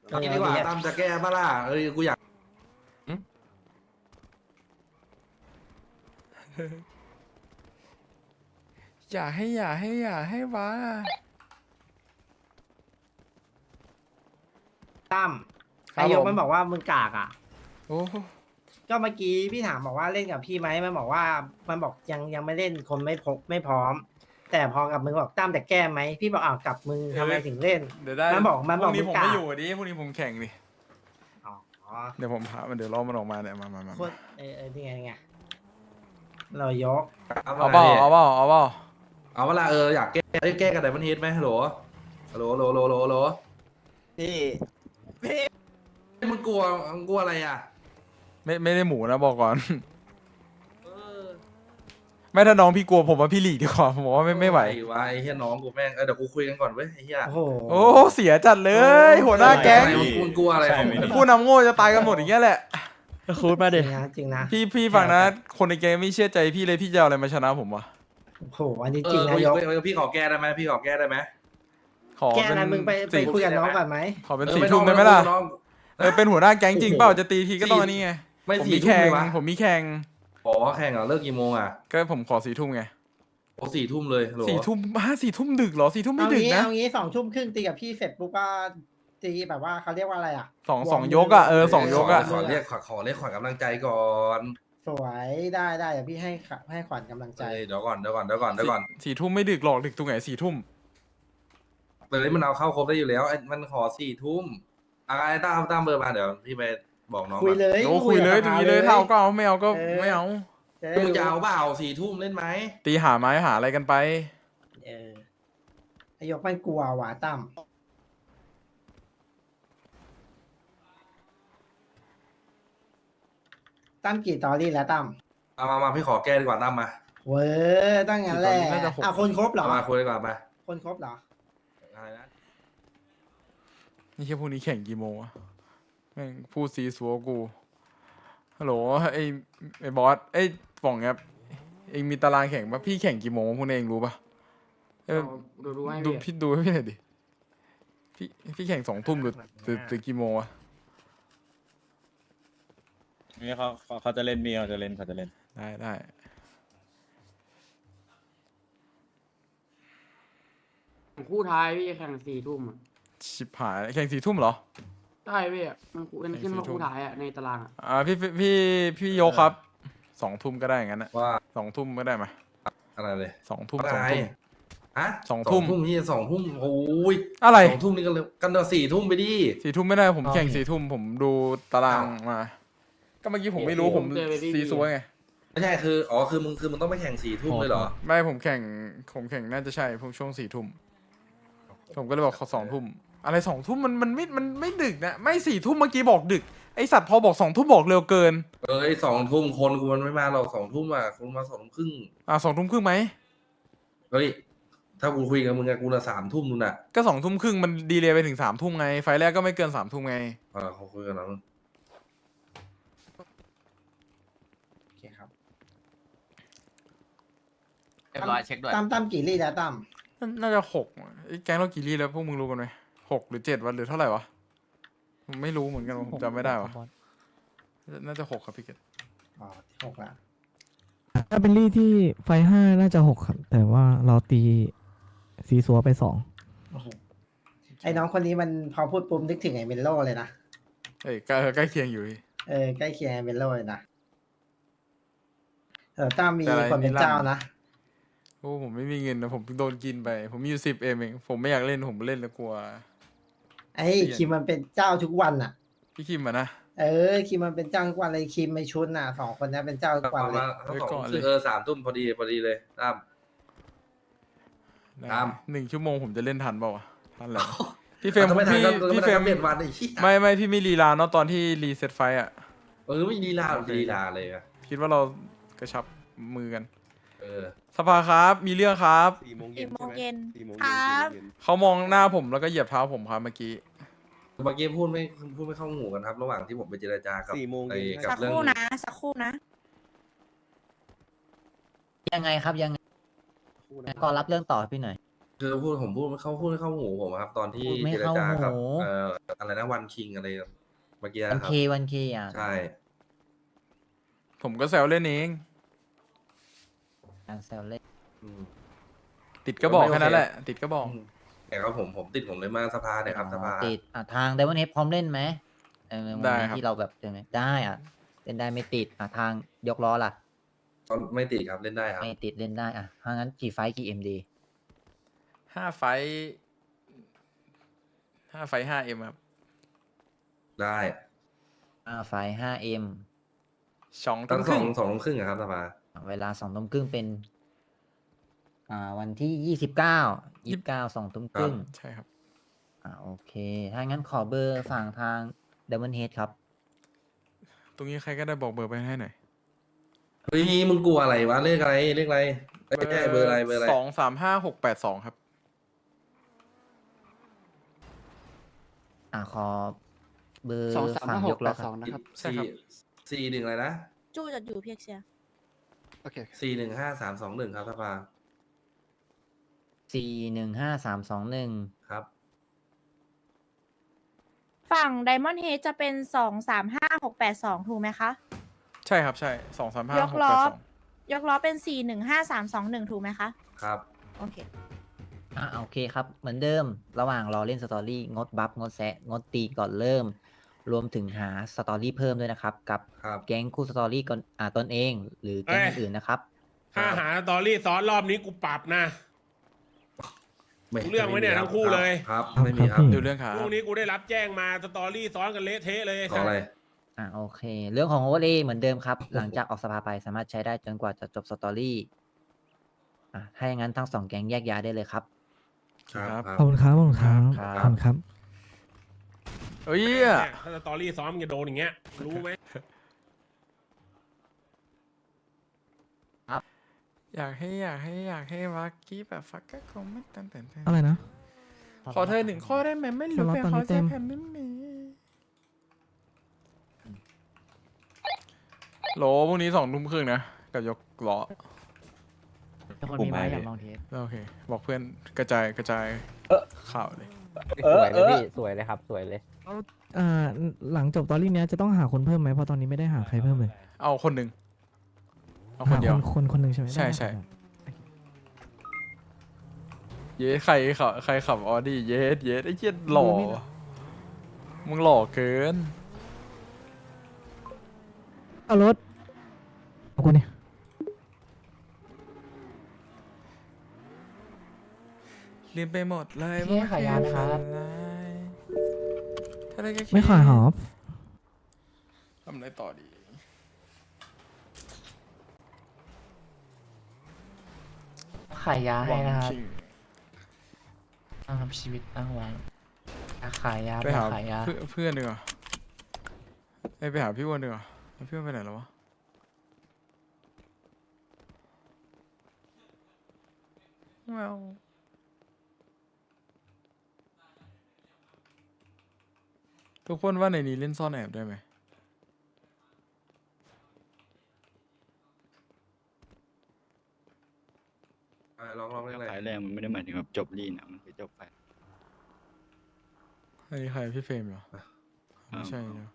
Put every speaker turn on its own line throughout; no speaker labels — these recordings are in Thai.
เอางี้ดีกว่าตั้มจะแก้ปะล่ะกูอยาก
อย่าให้วะ
ตั้ม
ครับ
นายก
ผม
มันบอกว่ามึงกากอ่ะ
โอ้
ก็เมื่อกี้พี่ถามบอกว่าเล่นกับพี่ไหมมันบอกว่ามันบอกยังไม่เล่นคนไม่พร้อม แต่พอกับมึงบอกตั้มแต่แก้ไหมพี่บอกอ้าวกับมึงทำไมถึงเล่น
เดี๋ยวได้
มันบอก
พรุ่งนี้
มึ
ผม
งกล้า
ไม่อยู่ดิพรุ่งนี้ผมแข่งดิ
อ๋อ
เดี๋ยวผมพามันเดี๋ยวรอมันออกมาเนี่ยมา
โคตรนี่ไงเรายก
เอาเปล่าเอาเปล่าเอาเปล่า
เอาเวลาอยากแก้แก้กันไดมอนด์เฮดไหมฮัลโหลพี่มึงกลัวอะไรอ่ะ
ไม่ได้หมูนะบอกก่อน
เออ
ไม่ถ้าน้องพี่กลัวผมว่าพี่หลีกดีกว่าผมบอกว่าไม่ไหว
วะไอ้เฮียน้องกูแม่งเดี๋ยวกูคุยกันก่อนเว้ยไอ้เฮีย
โอ้โห
โอ้เสียจัดเลยหัวหน้าแก๊ง
มึงกลัวอะไรของมึง
ผู้นำโง่จะตายกันหมดอย่างเงี้ยแหละ
คูดมา
จ
ดิ
ริงนะจริงนะ
พี่ฟังนะ คนในแก๊งไม่เชื่อใจพี่เลยพี่จะเอาอะไรมาชนะผมวะ
โอ้โหอันนี้จริงนะยก
พี่ขอแก้ได้ไหมพี่ขอแก้ได้ไหม
ขอ
แก้
เป็น
นะมึงไป
สี่
คุยกับน้องก่อนไหม
ขอเป็น4 ทุ่มได้ไหมล่ะ
น้อง
เป็นหัวหน้าแก๊งจริงเปล่าจะตีทีก็ต้องอันนี้ไง
ไม่
ผม
4
มี
ทุ่ม
แข่ง
เลยวะ
ผมมีแข่ง
อ๋อแข่งเหรอเลิกกี่โมงอ่ะ
ก็ผมขอ4 ทุ่มไง
โอ้4 ทุ่มเลยฮัลโหล
4 ทุ่ม4 ทุ่มดึกเหรอ4 ทุ่มไม่ดึกนะ
เอางี้2 ทุ่มครึ่งตีกับพี่เสร็จปุ๊บก็ตีแบบว่าเขาเรียกว่าอะไรอ่ะ
สองยกอ่ะ2 ยกอ่ะ
ขอเรียกขวัญกำลังใจก่อน
สวยได้เดี๋ยวพี่ให้ขวัญกำลังใจ
เดี๋ยวก่อน
4 ทุ่มไม่ดึกหรอกดึกตรงไหน4 ทุ่ม
แต่นี้มันเอาเข้าครบได้อยู่แล้วมันขอ4 ทุ่มไอ้ตั้มเบอร์มาเดี๋ยวพี่ไปบอกน้อง
คุยเลย
โอ้คุยเลยตรงนี้เลยเท่าก็เอาไม่เอาก็ไม่เอา
มึงจะเอาเปล่า4 ทุ่มเล่นไหม
ตีหาไม้หาอะไรกันไป
ไอยกมันกลัวว่ะตั้มกี่ตอรี่แล้วตั้ม
มาพี่ขอแก้ดีกว่าตั้มมา
เว้ยตั้งงั้นแหละ
น่าจะ6
คนครบเหรอ
มาคุยดีกว่ามา
คนครบเหรอ
อะไรนะ
นี่แค่พรุ่งนี้แข่งกี่โมงวะแม่งพูดซีซัวกูฮัลโหลไอ้บอสป่องครับเองมีตารางแข่งปะพี่แข่งกี่โมงพวกนี้เองรู้ปะดูพี่ดูให้พี่หน่อยดิพี่แข่ง2 ทุ่มหรือกี่โมงวะ
นี่เขาจะเล่นเขาจะเล่น
ได้
คู่ท้ายพี่แข่ง4 ทุ่มอ่ะ
ชิบหายแข่ง4 ทุ่มเหรอ
ใช่พี่อะมันขึ้นมาคู่ท้ายอ่ะในตารางอ่ะ
พี่โยกครับ2 ทุ่มก็ได้อย่างนั้นนะ
ว่า
2 ทุ่มก็ได้ไหม
อะไรเลย
2 ทุ่ม
อะไรฮะ
2 ทุ่ม
ที่2 ทุ่มโอ้ย
อะไร
2 ทุ่มนี่กันเลยกันเดี๋ยว4 ทุ่มไปดิ
4 ทุ่มไม่ได้ผมแข่ง4 ทุ่มผมดูตารางมา ก็เมื่อกี้ผมไม่รู้ผมซีซัวไง
ไม่ใช่คือมึงต้องไปแข่ง4 ทุ่มเลยเหรอ
ไม่ผมแข่งน่าจะใช่พวกช่วง4 ทุ่มผมก็เลยบอกขอ2 ทุ่มอะไร2 ทุ่มมันไม่ดึกนะไม่4 ทุ่มเมื่อกี้บอกดึกไอสัตว์พอบอก2 ทุ่มบอกเร็วเกิน
2 ทุ่มคนกูมันไม่มาหรอก2 ทุ่มอ่ะคุณมา2 ทุ่มครึ่ง
2 ทุ่มครึ่งไหม
เฮ้ยถ้ากูคุยกับมึงอะกูน่ะ3 ทุ่มนู่นน่ะ
ก็2 ทุ่มครึ่งมันดีเลยไปถึง3 ทุ่มไงไฟล์แรกก็ไม่เกิน3 ทุ่มไง
เขาคุยกันแล้ว
โอเคครับ
เรียบร้อยเช็คด้วย
ตั้มกี่ลี่แล้วตั้ม
น่าจะ6ไอ้แก๊งเรากี่รีแล้วพวกมึงรู้กันไหม6 หรือ 7 วันหรือเท่าไหร่วะผมไม่รู้เหมือนกันผมจำไม่ได้วะน่าจะ6ครับพี่เกด
อ๋อ6แล้ว
ถ้าเป็นลี่ที่ไฟ5น่าจะ6ครับ แต่ว่าเราตีซีซัวไป2
ไอ้น้องคนนี้มันพอพูดปุ๊บนึกถึงไอ้เมนโลเลยนะ
ใกล้เคียงอยู่พี่
ใกล้เคียงไอ้เมนโลเลยนะตั้มมีคนเป็นเจ้านะ
โอ้ผมไม่มีเงินนะผมโดนกินไปผมมีอยู่10 เองผมไม่อยากเล่นผมเล่นแล้วกลัว
ไอ้คิมมันเป็นเจ้าทุกวันอ่ะ
พี่คิมอะนะ
คิมมันเป็นเจ้าทุกวันเลยคิมไม่ชุนน่ะ2 คนนี้เป็นเจ้าทุกวันเลย
ทั้ง2 3 ทุ่มพอดีเลยตั้ม ครับ
1 ชั่วโมงผมจะเล่นทันเปล่าวะทันแหละพี่เฟรม
ไม่ทัน
พี่เฟรม
เปลี่ยนวันไอ้ชี้
ไม่พี่ไม่ลีลาเนาะตอนที่รีเซ็ตไฟอะ
ไม่ลีลาเลยอะ
คิดว่าเรากระชับมือกัน
เออ
สภาครับมีเรื่องครับ
4 โมง
4 โมงเย็น
4 โมง
ค
เย็น
รับ
4 โมงเย็น
เขามองหน้าผมแล้วก็เหยียบเท้าผมครับเมื่อกี้
เมื่อกี้พูดไม่เข้าหูกันครับ ระหว่างที่ผมไปเจรจากับ
4 โมง
ไอ้
เย็น
กับ
สัก
เรื่
ค
อง
รู่นะ สักครู่นะ
ยังไงครับยังไง
คู่นะ
ก็รับเรื่องต่อพี่หน่อย
คือผมพูดเขาพูดให้เข้าหูผมครับ ตอนที่
พูดไม่
เจร
เข้า
จากับ
หู
อะไรนะวันคิงอะไรเมื่อกี้
วัน
ครั
เค
บ
วันเคอ่ะ
ใช่
ผมก็แซวเล่นเอง
การแซวเล่น
อืม
ติดก็บอก
ไม่โอเค
แค่นั้นแหละ ติดก็บอก
แต่ครับผมติดผมเลยมาสภาเนี่ยครับสภา
ติดทางไดมอนเฮดพร้อมเล่นไหมวัน
ได้
นี้
ครับ
ที่เราแบบยังไงได้เล่นได้ไม่ติดทางยกล้อล่ะ
ก็ไม่ติดครับเล่นได้ครับ
ไม่ติดเล่นได้ถ้างั้นกี่ไฟท์กี่เอ็มดี
5 ไฟท์5 ครับ
ได้
ไฟท์5M
2
ต
ทุ่
อน
มครึ่ง
สองทุ่มครึ่งอะครับสภา
เวลา2 ทุ่มครึ่งเป็นวันที่29 2 ทุ่มครึ่ง
ใช่ครับ
โอเค ถ้างั้นขอเบอร์ฝั่งทางไดมอนเฮดครับ
ตรงนี้ใครก็ได้บอกเบอร์ไปให้หน่อย
เฮ้ยมึงกลัวอะไรวะเลขอะไรเลขอะไรเอ้ยไม่ใช่เบอร์อะไรเบอร์อะไร
235 682 ครับ
ขอเบอร์
235
ฝั่งยกล้อครับ
682นะครับ
ใช่ครับ
สี่หนึ่งอะไรนะ
จู้จะอยู่เพียกเชีย
โอเค
415321ครับสภา
415321
ครับ
ฝั่งไดมอนด์เฮดจะเป็น235682 ถูกไหมคะ
ใช่ครับ ใช่ 235
ยกล้อ
682
ยกล้อเป็น415321 ถูกไหมคะ
ครับ
โอเค
โอเคครับ เหมือนเดิม ระหว่างรอเล่นสตอรี่งดบัฟงดแซะงดตีก่อนเริ่ม รวมถึงหาสตอรี่เพิ่มด้วยนะครับ กับ
ครับ
แก๊งคู่สตอรี่ก่อนตนเอง หรือแก๊งอื่นๆนะครับ
ถ้าหาสตอรี่ซ้อนรอบนี้กูปรับนะ รู้เรื่องไหมเนี่ยทั้งคู่เลย
ครับ
ครับ
ไม่มีค
ครั
รับ
บ
ดูเรื่องขา
พรุ่งนี้กูได้รับแจ้งมาสตอรี่ซ้อนกันเละเทะเลย
ขออะไร
โอเค เรื่องของโอเวอร์เลย์เหมือนเดิมครับ หลังจากออกสภาไปสามารถใช้ได้จนกว่าจะจบสตอรี่ถ้าอย่างนั้นทั้งสองแก๊งแยกย้ายได้เลยครับ
ครับ
ขอบคุณครับขอบคุณครับ
ครับ
ขอบคุณครับ
เอ้ย
เนี่ยถ้าสตอรี่ซ้อนมึงจะโดนอย่างเงี้ย รู้ไหม
อยากให้วักกี้แบบฟักก็คงไม่ตันแต่
อะไรนะ
ขอเธอหนึ่งข้อได้ไหมไม่รู้
สล็อต
เป็น
ตอน
ข
นี้
อ
เต็
ใจ
ม
แผ่นได้ไหมโหลพรุ่งนี้2 ทุ่มครึ่งนะ กับยกล้อ
คนมีไม้อยากลองเทส
โอเค บอกเพื่อนกระจายข่าวเลย
สวยเลยพี่ สวยเลยครับ สวยเลย
หลังจบตอรี่เนี้ยจะต้องหาคนเพิ่มไหมเพราะตอนนี้ไม่ได้หาใครเพิ่มเลย
เอาคนหนึ่งเอาค
หาน
เดียว
คนหนึ่งใช่ไหม
ใช่
ได้
ใช่
ได้
เย้ใครขับออดี้เย้ไอ้เจี๊ยหล่อมึงหล่อเกิน
เอารถเอาคนนี้
ลืมไปหมดเลย
พี่ขายานะครับ
ถ้าได้แค่
ไม่ขายหอบ
ทำอะไรต่อดี
ขายยาให้นะครับ
ชิง
ทำชีวิตตั้งไว้ขายยา
ไปหา
ขายยา
เพื่อนดีกว่าไปหาพี่อ้วนดีกว่าแล้วพี่อ้วนไปไหนแล้ววะแมวทุกคนว่าในนี้เล่นซ่อนแอบได้ไหม
ลองเล่นอะไร
สายแรงมันไม่ได้หมายถึงแบบจบลีนอะมันคือจบไป
อันนี้ใครพี่เฟรมเหรอไม่ใช่นะ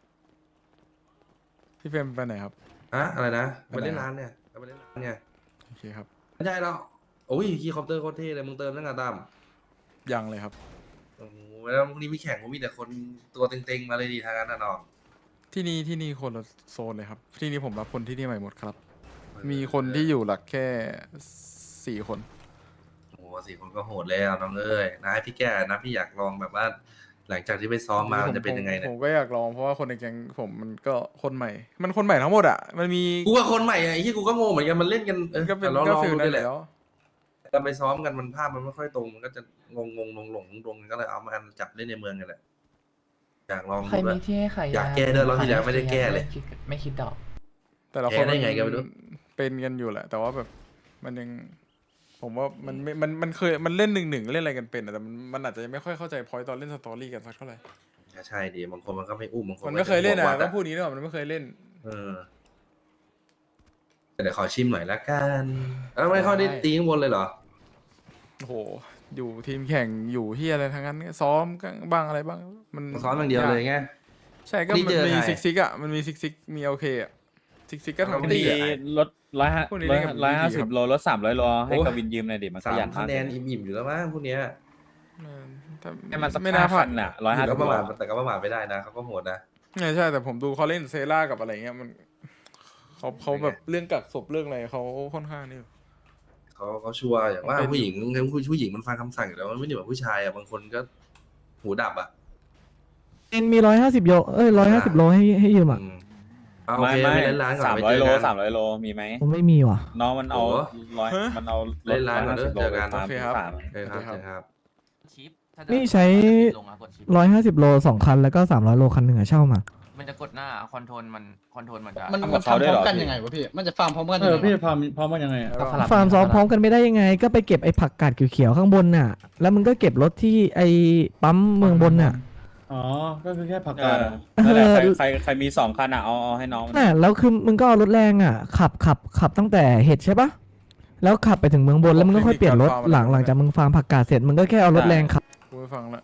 พี่เฟรมไปไหนครับ
ฮะอะไรนะ
ไป
ไป
ไหน
เล่นร้านเนี่ยไปเล่นร้านเนี่ย
โอเคครับ
ไม่ใช่หรอกโอ้ยคีย์คอปเตอร์โคตรเท่เลยมึงเติมตั้งแต่ตั้ม
ยังเลยครับ
โอ้โหแล้วพรุ่งนี้มีแข่งผมมีแต่คนตัวเต็งๆมาเลยดีทางนั้นนะน้อง
ที่นี่คนละโซนเลยครับ ที่นี่ผมรับคนที่นี่ใหม่หมดครับ มีคนที่อยู่หลักแค่4 คน
โอ้โห4 คนก็โหดแล้วน้องเอ้ยนะให้พี่แก่นะพี่อยากลองแบบว่า หลังจากที่ไปซ้อมมามันจะเป็นยังไงเนี่
ผ
ย
มก็อยากลองเพราะว่าคนในแก๊งผมมันก็คนใหม่ มันคนใหม่ทั้งหมดอ่ะ มันมี
กูว่าคนใหม่ไอ้ที่กูก็งงเหมือนกันมันเล่นกัน
ก็เป็น
ลอง
ก็
ลอง
ฟิล
ดู
นั้
ได้
น
แหละ
แล้ว
แต่ไปซ้อมกันมันภาพมันไม่ค่อยตรงมันก็จะงงก็เลยเอามาจับเล่นในเมืองกันแหละอยากลองดู
ใคร
ด้ว
มี
ย
ที่ให้ขาย
อยากแก้ด้วยรอบที่แล้วไม่ได้แก้เลย
ไม่คิดดอก
แต่ละคน
แก้ได้ไงก็ไม่รู้
เป็นกันอยู่แหละ แต่ว่าแบบมันยัง ผมว่ามันไม่มันเคยมันเล่น1-1เล่นอะไรกันเป็นอะแต่มันอาจจะยังไม่ค่อยเข้าใจพอยต์ตอนเล่นสตอรี่กันสักเท่าไหร่
ใช่ดีบางคนมันก็ไม่อุ้มบางคน
มันไม่เคยเล่น
จะ
อ่ะ
วัด
ต้องพูดนี้ด้วยมันไม่เคยเล่น
แต่เดี๋ยวขอชิมหน่อยละกันไม่ค่อยได้ตีข้างบนเลยเหรอ
โอ้โหอยู่ทีมแข่งอยู่ที่อะไรทั้งนั้นซ้อมบ้างอะไรบ้างมัน
ซ้อมอย่างเดียวเลยไง
ใช่ก็
นี่
มัน
เจอ
มี
ใคร
ซิกอ่ะมันมีซิกมีโอเคอ่ะซิกก็ทั้ง
มี
ตี
อะ
อ่ะ
รถร้อยห้า
พวกนี้เล่นกับ
ร้อยห้า
ดีๆ
สิ
ครับ บ
โลรถ300 โลให้
โอ้
กวินยืมหน่อยดิมันข
สาม
ยัน
คะ
มาก
แนนอิ่มๆอยู่แล้วมั้งพวกเนี้ย
ถ้า
ให้มันสัก
ไม่น่าพลา
พั
ด
นอ่ะ
แต่ก็
150
ประ
โล
มาทแต่ก็ประมาทไม่ได้นะเขาก็โหดนะ
ใช่แต่ผมดูเขาเล่นเซล่ากับอะไรเงี้ยมันเขาแบบเรื่องกักศพเรื่องอะไรเขาค่อนข้างนี่
เขาชัวร์อย่างว่า
เป็น
ผู้หญิงมันฟังคำสั่งอยู่แล้วมันไม่ได้แบบผู้ชายอ่ะบางคนก็หูดับอ่ะ
เอ็นมี150 โล150 โลให้ยืมอ่ะ
อืมเอาโอเคไปเล่นร้านก่อนไปเจอ
300 โล
กัน
300 โลมีไหม
ผมไม่มีว่ะ
น้องมันเอา
โอ้
ร้อยมันเอา
เล่นร้านก่อนเด้อ
150 โล
เจอกัน
ไป
โอเคครับ
ฟาร์ม
โอเคครับเจอครับ
นี่ใช้ 150 โล2 คันแล้วก็300 โลคันหนึ่งอะเช่ามา
มันจะกดหน้าคอนโทรลมันจะ
มันทำพร้อมกันยังไง
มันจะฟาร์มพร้อมกัน
พี่พร้อมกันยังไง
แล้วก็
ฟาร์มซ้อมพร้อมกันไม่ได้ยังไง ก็ไปเก็บไอ้ผักกาดเขียวๆข้างบนน่ะ แล้วมึงก็เก็บรถที่ไอ้ปั๊มเมืองบนน่ะ
อ๋อ ก็คือแค่ผักกาดนั่นแหละใครมี2 คันอ่ะเอาให้น้อง
น่ะแล้วคือมึงก็เอารถแรงอ่ะขับตั้งแต่เห็ดใช่ปะแล้วขับไปถึงเมืองบนแล้วมึงก็ค่อยเปลี่ยนรถหลังจากมึงฟาร์มผักกาดเสร็จมึงก็แค่เอารถแรงขับ
กูไปฟังละ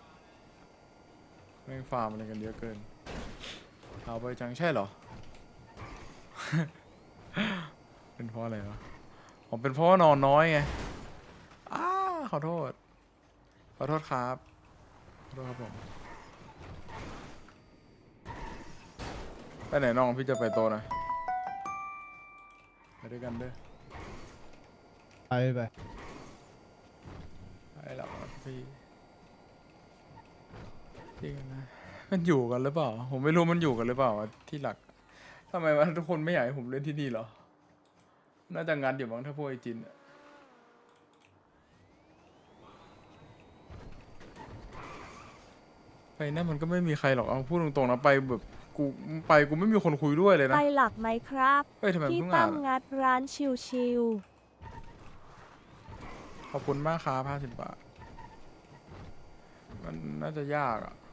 แม่งฟาร์มอะไรกันเยอะเกินเอาไปจังใช่เหรอ เป็นเพราะอะไรวะผมเป็นเพราะว่านอนน้อยไงขอโทษครับผมไปไหนน้องพี่จะไปโตนะไปด้วยกันเด้อ
ไป
ไปแล้วพี่กันนะมันอยู่กันหรือเปล่าผมไม่รู้มันอยู่กันหรือเปล่าที่หลักทำไมวะทุกคนไม่อยากให้ผมเล่นที่นี่เหรอน่าจะงัดอยู่บ้างถ้าพวกไอจินอะไปนั่นมันก็ไม่มีใครหรอกเอาพูดตรงๆนะไปแบบกูไม่มีคนคุยด้วยเลยนะ
ไปหลักไหมครับ
เฮ้ยทำไม
พี่
เพิ่ง
ตั้
อ่าม น
งัดร้านชิว
ขอบคุณมากครับ50 บาทมันน่าจะยากอ่ะ